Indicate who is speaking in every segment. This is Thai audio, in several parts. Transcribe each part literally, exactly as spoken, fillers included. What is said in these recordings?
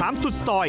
Speaker 1: ามสุดซอย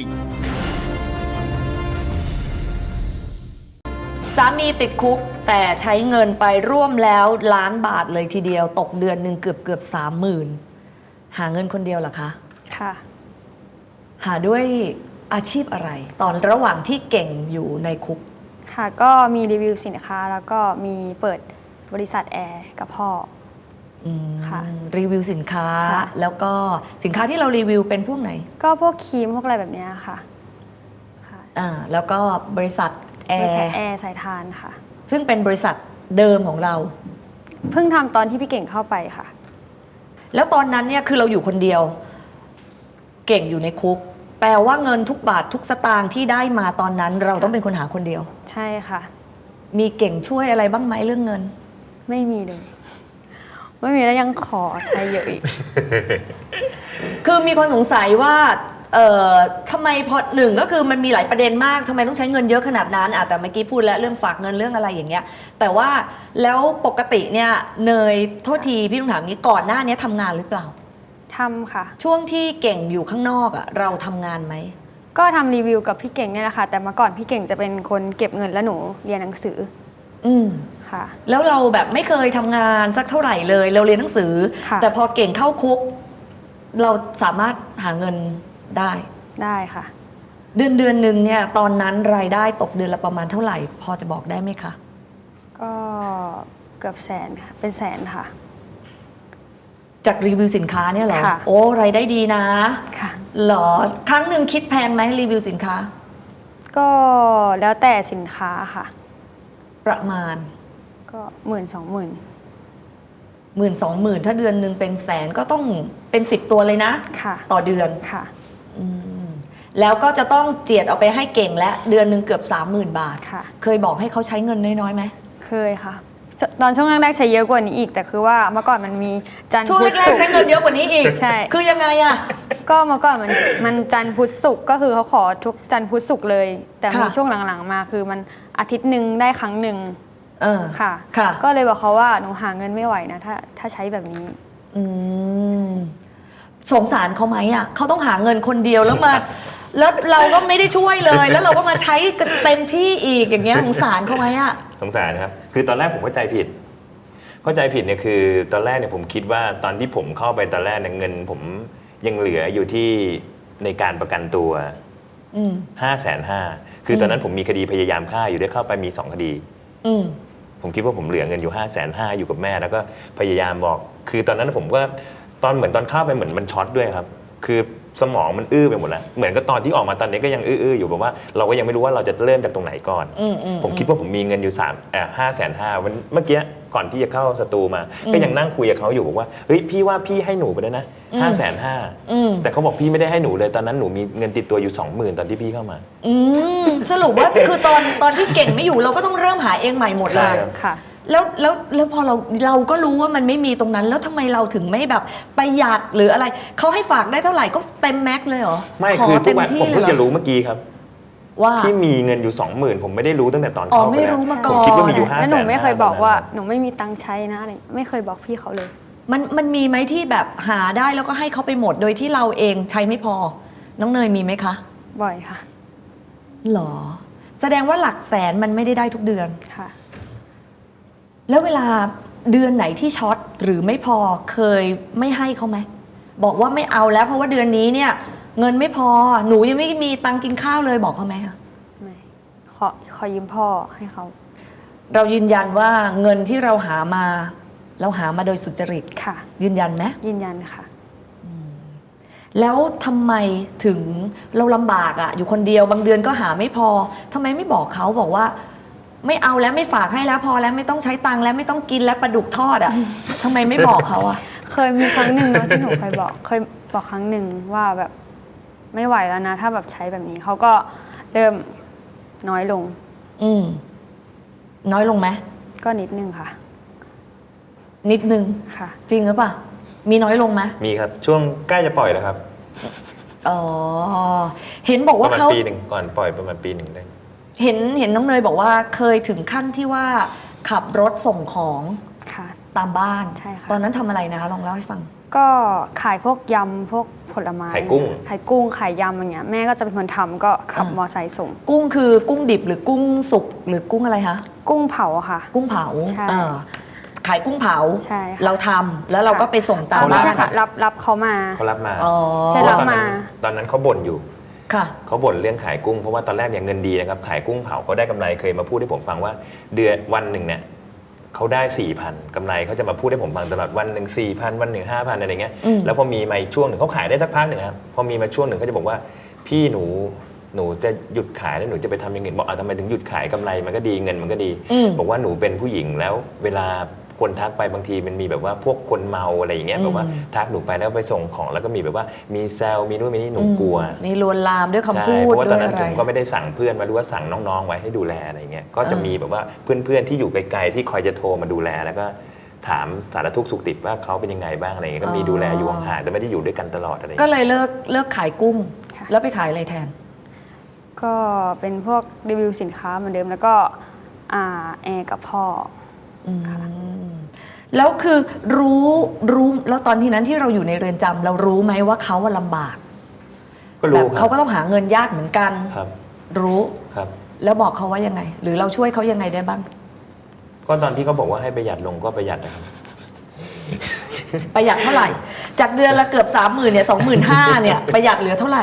Speaker 2: สามีติดคุกแต่ใช้เงินไปร่วมแล้วล้านบาทเลยทีเดียวตกเดือนหนึ่งเกือบเกือบสามหมื่นหาเงินคนเดียวเหรอคะ
Speaker 3: ค่ะ
Speaker 2: หาด้วยอาชีพอะไร ตอนระหว่างที่เก่งอยู่ในคุก
Speaker 3: ค่ะก็มีรีวิวสินค้าแล้วก็มีเปิดบริษัทแอร์กับพ่อ
Speaker 2: ค่ะรีวิวสินค้าแล้วก็สินค้าที่เรารีวิวเป็นพวกไหน
Speaker 3: ก็พวกครีมพวกอะไรแบบนี้ค่ะ
Speaker 2: ค่ะอ่าแล้วก็บริษัทแอร์
Speaker 3: แอร์สายทานค่ะ
Speaker 2: ซึ่งเป็นบริษัทเดิมของเรา
Speaker 3: เพิ่งทำตอนที่พี่เก่งเข้าไปค่ะ
Speaker 2: แล้วตอนนั้นเนี่ยคือเราอยู่คนเดียวเก่งอยู่ในคุกแปลว่าเงินทุกบาททุกสตางค์ที่ได้มาตอนนั้นเราต้องเป็นคนหาคนเดียว
Speaker 3: ใช่ค่ะ
Speaker 2: มีเก่งช่วยอะไรบ้างไหมเรื่องเงิน
Speaker 3: ไม่มีเลยไม่มีแล้วยังขอใช้เยอะอีก
Speaker 2: คือมีคนสงสัยว่าเอ่อทำไมพอหนึ่งก็คือมันมีหลายประเด็นมากทำไมต้องใช้เงินเยอะขนาดนั้นอ่ะแต่เมื่อกี้พูดแล้วเรื่องฝากเงินเรื่องอะไรอย่างเงี้ยแต่ว่าแล้วปกติเนี่ยเนยโทษทีพี่ต้องถามนี้ก่อนหน้านี้ทำงานหรือเปล่า
Speaker 3: ทำค่ะ
Speaker 2: ช่วงที่เก่งอยู่ข้างนอกอ่ะเราทำงานไหม
Speaker 3: ก็ทำรีวิวกับพี่เก่งเนี่ยแหละค่ะแต่เมื่อก่อนพี่เก่งจะเป็นคนเก็บเงินแล้วหนูเรียนหนังสือ
Speaker 2: อืม
Speaker 3: ค่ะ
Speaker 2: แล้วเราแบบไม่เคยทำงานสักเท่าไหร่เลยเราเรียนหนังสือแต่พอเก่งเข้าคุกเราสามารถหาเงินได้
Speaker 3: ได้ค่ะ
Speaker 2: เดือนเดือนหนึ่งเนี่ยตอนนั้นรายได้ตกเดือนละประมาณเท่าไหร่พอจะบอกได้ไหมคะ
Speaker 3: ก็เกือบแสนค่ะเป็นแสนค่ะ
Speaker 2: จากรีวิวสินค้าเนี่ยเหรอโอ้รายได้ดีนะ
Speaker 3: ค่ะ
Speaker 2: เหรอครั้งหนึ่งคิดแพงไหมรีวิวสินค้า
Speaker 3: ก็แล้วแต่สินค้าค่ะ
Speaker 2: ประมาณ
Speaker 3: ก็หมื่นสองหมื่น
Speaker 2: หมื่นสองหมื่นถ้าเดือนหนึ่งเป็นแสนก็ต้องเป็นสิบตัวเลยนะ
Speaker 3: ค่ะ
Speaker 2: ต่อเดือน
Speaker 3: ค่ะ
Speaker 2: แล้วก็จะต้องเจียดเอาไปให้เก่งและเดือนหนึ่งเกือบสามหมื่นบาท
Speaker 3: ค่ะ
Speaker 2: เคยบอกให้เขาใช้เงินน้อยๆไหม
Speaker 3: เคยค่ะตอนช่วงแรกๆใช้เยอะกว่านี้อีกแต่คือว่าเมื่อก่อนมันมีจันทร์
Speaker 2: พุธศุกร์ช่วงแรกๆใช้เงินเยอะกว่านี้อีก
Speaker 3: ใช่
Speaker 2: คือยังไงอะ
Speaker 3: ก็เมื่อก่อนมันมันจันทร์พุธศุกร์ก็คือเขาขอทุกจันทร์พุธศุกร์เลยแต่มีช่วงหลังๆมาคือมันอาทิตย์หนึ่งได้ครั้งหนึ่ง
Speaker 2: เออ
Speaker 3: ค่ะก็เลยบอกเขาว่าหนูหาเงินไม่ไหวนะถ้าถ้าใช้แบบนี้
Speaker 2: อืมสงสารเขาไหมอ่ะเขาต้องหาเงินคนเดียวแล้วมาแล้วเราก็ไม่ได้ช่วยเลยแล้วเราก็มาใช้เต็มที่อีกอย่างเงี้ยสงสารเขาไหมอ่ะ
Speaker 4: สงสารครับคือตอนแรกผมเข้าใจผิดเข้าใจผิดเนี่ยคือตอนแรกเนี่ยผมคิดว่าตอนที่ผมเข้าไปตอนแรกเนี่ยเงินผมยังเหลืออยู่ที่ในการประกันตัวห้าแสนห้าคือตอนนั้นผมมีคดีพยายามฆ่าอยู่ได้เข้าไปมีสองคดีผมคิดว่าผมเหลือเงินอยู่ห้าแสนห้าอยู่กับแม่แล้วก็พยายามบอกคือตอนนั้นผมก็ตอนเหมือนตอนเข้าไปเหมือนมันช็อตด้วยครับคือสมองมันอื้อไปหมดแล้วเหมือนกับตอนที่ออกมาตอนนี้ก็ยังอื้อๆอยู่แบบว่าเราก็ยังไม่รู้ว่าเราจะเริ่มจากตรงไหนก่อนผมคิดว่าผมมีเงินอยู่สามเอ่อห้าแสนห้าวันเมื่อกี้ก่อนที่จะเข้าสตูมาก็ยังนั่งคุยกับเขาอยู่บอกว่าเฮ้ยพี่ว่าพี่ให้หนูไปแล้วนะห้าแสนห้าแต่เขาบอกพี่ไม่ได้ให้หนูเลยตอนนั้นหนูมีเงินติดตัวอยู่สองหมื่นตอนที่พี่เข้ามา
Speaker 2: อืมสรุปว่าคือตอนตอนที่เก่งไม่อยู่เราก็ต้องเริ่มหาเองใหม่หมดเลย
Speaker 3: ค่ะ
Speaker 2: แล้วแล้วแล้วพอเราเราก็รู้ว่ามันไม่มีตรงนั้นแล้วทำไมเราถึงไม่แบบประหยัดหรืออะไรเขาให้ฝากได้เท่าไหร่ก็เต็มแม็กเลยเหรอ
Speaker 4: ไม่คือทุกวันผมเพิ่งจะรู้เมื่อกี้ครับว่าที่มีเงินอยู่สองหมื่นผมไม่ได้รู้ตั้งแต่ตอนเข้าไปแล้วผมคิดว่ามีอยู่ห้าแสน
Speaker 3: แล้วหนูไม่เคยบอกว่าหนูไม่มีตังค์ใช้นะอะไรไม่เคยบอกพี่เขาเลย
Speaker 2: มันมันมีไหมที่แบบหาได้แล้วก็ให้เขาไปหมดโดยที่เราเองใช้ไม่พอน้องเนยมีไหมคะ
Speaker 3: บ่อยค่ะ
Speaker 2: หรอแสดงว่าหลักแสนมันไม่ได้ได้ทุกเดือน
Speaker 3: ค่ะ
Speaker 2: แล้วเวลาเดือนไหนที่ช็อตหรือไม่พอเคยไม่ให้เขาไหมบอกว่าไม่เอาแล้วเพราะว่าเดือนนี้เนี่ยเงินไม่พอหนูยังไม่มีตังค์กินข้าวเลยบอกเขาไหมคะ
Speaker 3: ไม่ขอขอยืมพ่อให้เขา
Speaker 2: เรายืนยันว่าเงินที่เราหามาเราหามาโดยสุจริต
Speaker 3: ค่ะ
Speaker 2: ยืนยันไหม
Speaker 3: ยืนยันค่ะ
Speaker 2: แล้วทำไมถึงเราลำบากอ่ะอยู่คนเดียวบางเดือนก็หาไม่พอทำไมไม่บอกเขาบอกว่าไม่เอาแล้วไม่ฝากให้แล้วพอแล้วไม่ต้องใช้ตังค์แล้วไม่ต้องกินแล้วปลาดุกทอดอ่ะทำไมไม่บอกเขาอ่ะ
Speaker 3: เคยมีครั้งหนึ่งนะที่หนูเคยบอกเคยบอกครั้งหนึ่งว่าแบบไม่ไหวแล้วนะถ้าแบบใช้แบบนี้เขาก็เริ่มน้อยลง
Speaker 2: อืมน้อยลงไหม
Speaker 3: ก็นิดนึงค่ะ
Speaker 2: นิดนึง
Speaker 3: ค่ะ
Speaker 2: จริงหรือเปล่ามีน้อยลงไหม
Speaker 4: มีครับช่วงใกล้จะปล่อยแล้วครับ
Speaker 2: อ๋อเห็นบอกว่าเขา
Speaker 4: ประมาณปีหนึ่งก่อนปล่อยประมาณปีหนึ่งได้
Speaker 2: เห็นเห็นน้องเนยบอกว่าเคยถึงขั้นที่ว่าขับรถส่งของตามบ้าน
Speaker 3: ใช่ค่ะ
Speaker 2: ตอนนั้นทำอะไรนะคะลองเล่าให้ฟัง
Speaker 3: ก็ขายพวกยำพวกผลไม้
Speaker 4: ขายกุ้ง
Speaker 3: ขายกุ้งขายยำอย่างเงี้ยแม่ก็จะเป็นคนทำก็ขับมอไซค์ส่ง
Speaker 2: กุ้งคือกุ้งดิบหรือกุ้งสุกหรือกุ้งอะไรคะ
Speaker 3: กุ้งเผาค่ะ
Speaker 2: กุ้งเผา
Speaker 3: ใช่
Speaker 2: เออขายกุ้งเผา
Speaker 3: ใช่ค่ะ
Speaker 2: เราทำแล้วเราก็ไปส่งตาม
Speaker 3: อ่าไม่
Speaker 2: บ้า
Speaker 3: ใช่
Speaker 2: น
Speaker 3: ค่ะรับรับเขามา
Speaker 4: เขารับมา
Speaker 2: อ๋อ
Speaker 3: ใช่
Speaker 4: เพ
Speaker 3: รั
Speaker 4: ราะ
Speaker 3: บ
Speaker 4: ว่าตอนนั้น
Speaker 3: มา
Speaker 4: ตอนนั้นเขาบ่นอยู่
Speaker 2: ค่ะ
Speaker 4: เขาบ่นเรื่องขายกุ้งเพราะว่าตอนแรกเนี่ยเงินดีนะครับขายกุ้งเผาเขาได้กำไรเคยมาพูดให้ผมฟังว่าเดือนวันหนึ่งเนี่ยเขาได้สี่พันกำไรเขาจะมาพูดให้ผมฟังตลอดวันหนึ่งสี่พันวันหนึ่งห้าพันอะไรเงี้ย
Speaker 2: อืม
Speaker 4: แล้วพอมีมาอีกช่วงหนึ่งเขาขายได้สักพักหนึ่งครับพอมีมาช่วงหนึ่งเขาจะบอกว่าพี่หนูหนูจะหยุดขายแล้วหนูจะไปทำอย่างอื่นบอกอ่ะทำไมถึงหยุดขายกำไรมันก็ดีเงินมันก็ดี
Speaker 2: อืม
Speaker 4: บอกว่าหนูเป็นผู้หญิงแล้วเวลาคนทักไปบางทีมันมีแบบว่าพวกคนเมาอะไรอย่างเงี้ย
Speaker 2: อืม
Speaker 4: แบบว่าทักหนูไปแล้วไปส่งของแล้วก็มีแบบว่ามีแซวมีนู่นมีนี่หนูกลัว
Speaker 2: มีลวนลามด้วยคำ
Speaker 4: ใช่
Speaker 2: พูด
Speaker 4: เพราะว่าต
Speaker 2: ด้
Speaker 4: อ
Speaker 2: วน ย
Speaker 4: นั้น
Speaker 2: อะ
Speaker 4: ผ
Speaker 2: ไร
Speaker 4: มก็ไม่ได้สั่งเพื่อนมาดูว่าสั่งน้องๆไว้ให้ดูแลอะไรเงี้ยก็จะ
Speaker 2: อ่ามี
Speaker 4: มีแบบว่าเพื่อนๆที่อยู่ไกลๆที่คอยจะโทรมาดูแลแล้วก็ถามสารทุกข์สุขดิบว่าเขาเป็นยังไงบ้างอะไรเงี้ยก็มีดูแลอยู่ห่างๆแต่ไม่ได้อยู่ด้วยกันตลอดอะไร
Speaker 2: ก็
Speaker 4: เงี้ย
Speaker 2: เลยเลิกเลิกขายกุ้ง
Speaker 3: ค่ะ
Speaker 2: แล้วไปขายอะไรแทน
Speaker 3: ก็เป็นพวกรีวิวสินค้าเหมือนเดิมแล้วก็อ่าแอร์กับพ่อ
Speaker 2: อืมแล้วคือรู้รู้แล้วตอนที่นั้นที่เราอยู่ในเรือนจำเรารู้ไหมว่าเขาว่าลำบาก
Speaker 4: ก็
Speaker 2: แบ
Speaker 4: รู้
Speaker 2: บ
Speaker 4: ครั
Speaker 2: เขา
Speaker 4: บ
Speaker 2: ก็ต้องหาเงินยากเหมือนกัน
Speaker 4: ครับ
Speaker 2: รู้
Speaker 4: ครับ
Speaker 2: แล้วบอกเขาว่ายังไง หรือเราช่วยเขายังไงได้บ้าง
Speaker 4: ก็ตอนที่เขาบอกว่าให้ประหยัดลงก็ประหยัดนะครับ
Speaker 2: ประหยัดเท่าไหร่ จากเดือนละเกือบสามหมื่นเนี่ยสองหมื่นห้าเนี่ยประหยัดเหลือเท่าไหร่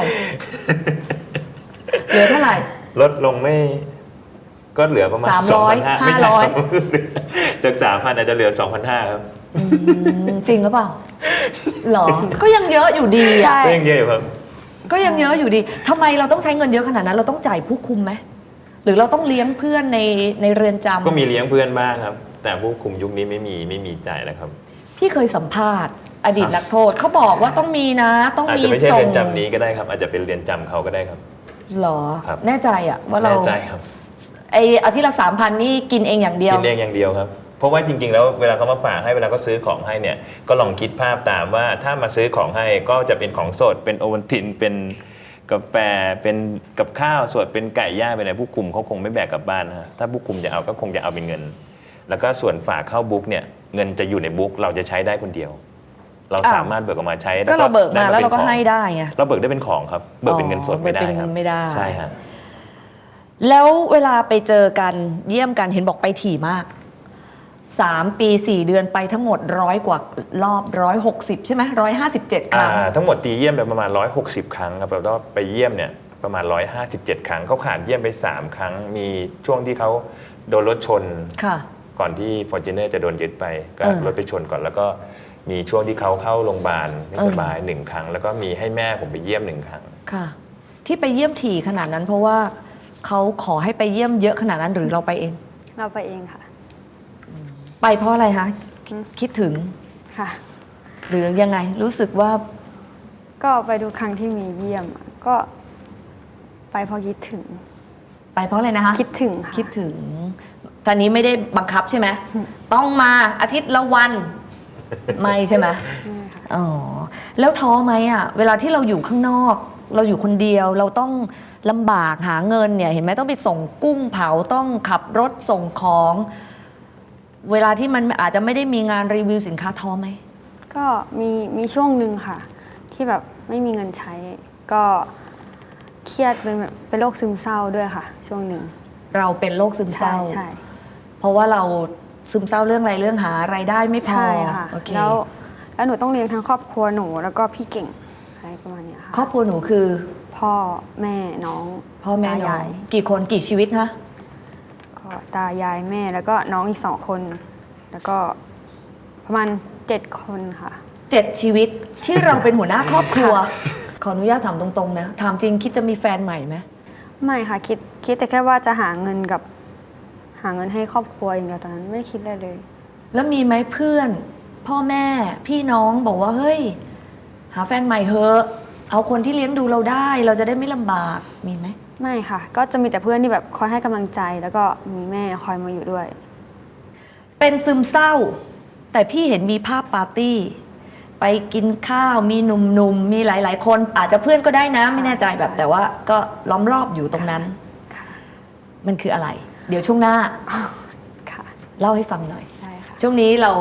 Speaker 2: เหลือเท่าไหร่
Speaker 4: ลดลงไม่ก็เหลือประมาณ
Speaker 2: สามร้อย
Speaker 4: สงพัน
Speaker 2: ห้าร้อย
Speaker 4: จากสามพันอาจจะเหลือสองพันห้าครับ
Speaker 2: อืมจริงหรือเปล่าหรอ ก็ยังเยอะอยู่ดี
Speaker 3: ใช่
Speaker 2: อ่ะ
Speaker 4: ก็ยังเยอะอยู่ครับ
Speaker 2: ก็ยังเยอะอยู่ดีทำไมเราต้องใช้เงินเยอะขนาดนั้น เราต้องจ่ายผู้คุมไหมหรือเราต้องเลี้ยงเพื่อนในในเรือนจำ
Speaker 4: ก็มีเลี้ยงเพื่อนบ้างครับ แต่ผู้คุมยุคนี้ไม่มีไม่มีจ่ายแล้วครับ
Speaker 2: พี่เคยสัมภาษณ์อดีตนักโทษเขาบอกว่าต้องมีนะ ต้อง
Speaker 4: อาจ
Speaker 2: มี
Speaker 4: จะไม่ใช่
Speaker 2: ส่
Speaker 4: เรื
Speaker 2: ง
Speaker 4: อนจำนี้ก็ได้ครับ อาจจะเป็นเรือนจำเขาก็ได้ครับ
Speaker 2: หรอ
Speaker 4: ครับ
Speaker 2: แน่ใจอะว่าเรา
Speaker 4: แน่ใจครับ
Speaker 2: ไออาทิตย์ละสามพันนี่กินเองอย่างเดียว
Speaker 4: กินเองอย่างเดียวครับ เพราะว่าจริงๆแล้วเวลาเขามาฝากให้เวลาเขาซื้อของให้เนี่ยก็ลองคิดภาพตามว่าถ้ามาซื้อของให้ก็จะเป็นของสดเป็นโอวัลตินเป็นกาแฟเป็นกับข้าวสดเป็นไก่ย่างเป็นอะไรผู้คุมเขาคงไม่แบกกลับบ้านนะฮะถ้าผู้คุมจะเอาก็คงจะเอาเป็นเงิน แล้วก็ส่วนฝากเข้าบุ๊กเนี่ยเงินจะอยู่ในบุ๊กเราจะใช้ได้คนเดียว เรา
Speaker 2: อ้าว
Speaker 4: สามารถเบิกออกมาใช้
Speaker 2: ก็เราเบิกมา
Speaker 4: ได้
Speaker 2: แล้วเราก็
Speaker 4: ป็นของ
Speaker 2: ให้ได้ไง
Speaker 4: เราเบิกได้เป็นของครับเบิกเป็นเงินสดไม่ได้
Speaker 2: เบิกเป็น
Speaker 4: ครับ
Speaker 2: ไม่ได้
Speaker 4: ใช่ฮะ
Speaker 2: แล้วเวลาไปเจอกันเยี่ยมกันเห็นบอกไปถี่มากสามปีสี่เดือนไปทั้งหมดร้อยกว่ารอบร้อยหกสิบใช่ไหมร้อยห้าสิบเจ็ดครั้ง
Speaker 4: อ่าทั้งหมดตีเยี่ยมไปประมาณหนึ่งร้อยหกสิบครั้งครับแล้วก็ไปเยี่ยมเนี่ยประมาณหนึ่งร้อยห้าสิบเจ็ดครั้งเขาขาดเยี่ยมไปสามครั้งมีช่วงที่เขาโดนรถชน
Speaker 2: ค่ะ
Speaker 4: ก่อนที่ Fortuner จะโดนยึดไปก็
Speaker 2: เออ
Speaker 4: รถไปชนก่อน แล้วก็มีช่วงที่เขาเข้าโรงพยาบาลไม่
Speaker 2: เออ
Speaker 4: สบายหนึ่งครั้ง แล้วก็มีให้แม่ผมไปเยี่ยมหนึ่งครั้ง
Speaker 2: ค่ะ ที่ไปเยี่ยมถี่ขนาดนั้น เพราะว่าเขาขอให้ไปเยี่ยมเยอะขนาดนั้นหรือเราไปเอง
Speaker 3: เราไปเองค่ะ
Speaker 2: ไปเพราะอะไรคะคิดถึง
Speaker 3: ค่ะ
Speaker 2: หรือยังไงรู้สึกว่า
Speaker 3: ก็ไปดูครั้งที่มีเยี่ยมอะก็ไปเพราะคิดถึง
Speaker 2: ไปเพราะอะไรนะคะ
Speaker 3: คิดถึงค่ะ
Speaker 2: คิดถึงตอนนี้ไม่ได้บังคับใช่ไหม ต้องมาอาทิตย์ละวัน ไม่ใช่ไหม
Speaker 3: ไม่ค่ะ
Speaker 2: อ๋อ แล้วท้อไหมอ่ะ เวลาที่เราอยู่ข้างนอก เราอยู่คนเดียว เราต้องลำบากหาเงินเนี่ย เห็นไหมต้องไปส่งกุ้งเผา ต้องขับรถส่งของ เวลาที่มันอาจจะไม่ได้มีงานรีวิวสินค้าท้อไหม
Speaker 3: ก็มีมีช่วงหนึ่งค่ะ ที่แบบไม่มีเงินใช้ ก็เครียดเป็นแบบเป็นโรคซึมเศร้าด้วยค่ะ ช่วงหนึ่ง
Speaker 2: เราเป็นโรคซึมเศ
Speaker 3: ใช่
Speaker 2: ร้า
Speaker 3: ใช่
Speaker 2: เพราะว่าเราซึมเศร้าเรื่องอะไรเรื่องหารายได้ไม่พอ
Speaker 3: ใช่ค่ะ
Speaker 2: โอเค
Speaker 3: แล้วแล้วหนูต้องเลี้ยงทั้งครอบครัวหนูแล้วก็พี่เก่งอะไรประมาณเนี้ยค่ะ
Speaker 2: ครอบครัวหนูคือ
Speaker 3: พ่อแม่น้อง
Speaker 2: พ่อแม่น้อย
Speaker 3: ตาาง ย
Speaker 2: กี่คนกี่ชีวิตคะ
Speaker 3: ก็ตายายแม่แล้วก็น้องอีกสองคน แล้วก็ประมาณเจ็ดคนค่ะ
Speaker 2: เจ็ดชีวิตที่เราเป็นหัวหน้าครอบครัว ขออนุญาตถามตรงๆนะถามจริงคิดจะมีแฟนใหม่ไหม
Speaker 3: ไม่ค่ะคิดคิดแต่แค่ว่าจะหาเงินกับหาเงินให้ครอบครัวอย่างเดียวตอนนั้นไม่คิดอะไรเลย
Speaker 2: แล้วมีไหมเพื่อน พ่อแม่พี่น้องบอกว่าเฮ้ย หาแฟนใหม่เถอะเอาคนที่เลี้ยงดูเราได้ เราจะได้ไม่ลำบากมีไหม
Speaker 3: ไม่ค่ะ ก็จะมีแต่เพื่อนที่แบบคอยให้กำลังใจ แล้วก็มีแม่คอยมาอยู่ด้วย
Speaker 2: เป็นซึมเศร้า แต่พี่เห็นมีภาพปาร์ตี้ ไปกินข้าวมีหนุ่มๆมีหลายๆ คนอาจจะเพื่อนก็ได้นะ ไม่แน่ใจแบบแต่ว่าก็ล้อมรอบอยู่ตรงนั้น
Speaker 3: ค่ะ
Speaker 2: มันคืออะไร เดี๋ยวช่วงหน้า
Speaker 3: ค่ะ
Speaker 2: เล่าให้ฟังหน่อย
Speaker 3: ได้ค่ะ
Speaker 2: ช่วงนี้เรา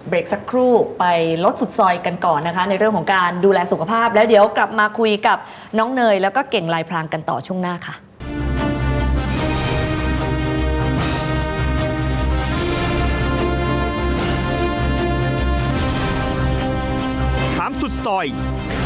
Speaker 2: เบรกสักครู่ไปลดสุดซอยกันก่อนนะคะ ในเรื่องของการดูแลสุขภาพแล้วเดี๋ยวกลับมาคุยกับน้องเนยแล้วก็เก่งลายพรางกันต่อช่วงหน้าค่ะ
Speaker 1: ถามสุดซอย